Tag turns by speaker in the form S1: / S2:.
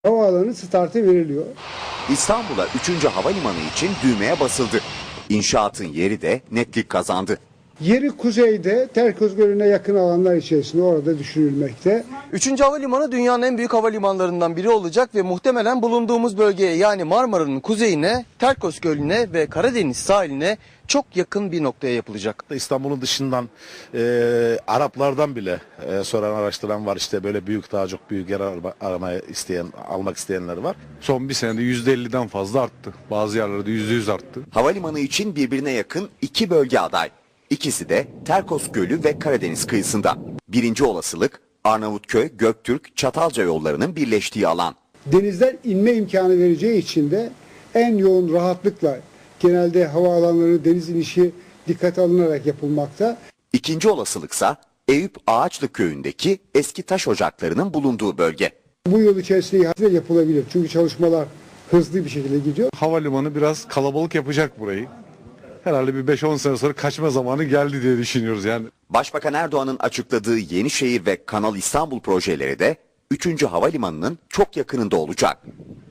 S1: Havaalanı startı veriliyor.
S2: İstanbul'a 3. havalimanı için düğmeye basıldı. İnşaatın yeri de netlik kazandı.
S1: Yeri kuzeyde, Terkoz Gölü'ne yakın alanlar içerisinde orada düşünülmekte.
S3: 3. havalimanı dünyanın en büyük havalimanlarından biri olacak ve muhtemelen bulunduğumuz bölgeye, yani Marmara'nın kuzeyine, Terkos Gölü'ne ve Karadeniz sahiline çok yakın bir noktaya yapılacak.
S4: İstanbul'un dışından Araplardan bile soran, araştıran var. İşte böyle büyük, daha çok büyük yer aramaya isteyen, almak isteyenler var.
S5: Son bir senede %50'den fazla arttı. Bazı yerlerde %100 arttı.
S2: Havalimanı için birbirine yakın 2 bölge aday. İkisi de Terkos Gölü ve Karadeniz kıyısında. Birinci olasılık Arnavutköy, Göktürk, Çatalca yollarının birleştiği alan.
S1: Denizden inme imkanı vereceği için de en yoğun rahatlıkla genelde havaalanları deniz inişi dikkate alınarak yapılmakta.
S2: İkinci olasılıksa Eyüp Ağaçlı köyündeki eski taş ocaklarının bulunduğu bölge.
S1: Bu yıl içerisinde ihale yapılabilir. Çünkü çalışmalar hızlı bir şekilde gidiyor.
S5: Havalimanı biraz kalabalık yapacak burayı. Herhalde bir 5-10 sene sonra kaçma zamanı geldi diye düşünüyoruz yani.
S2: Başbakan Erdoğan'ın açıkladığı Yenişehir ve Kanal İstanbul projeleri de 3. havalimanının çok yakınında olacak.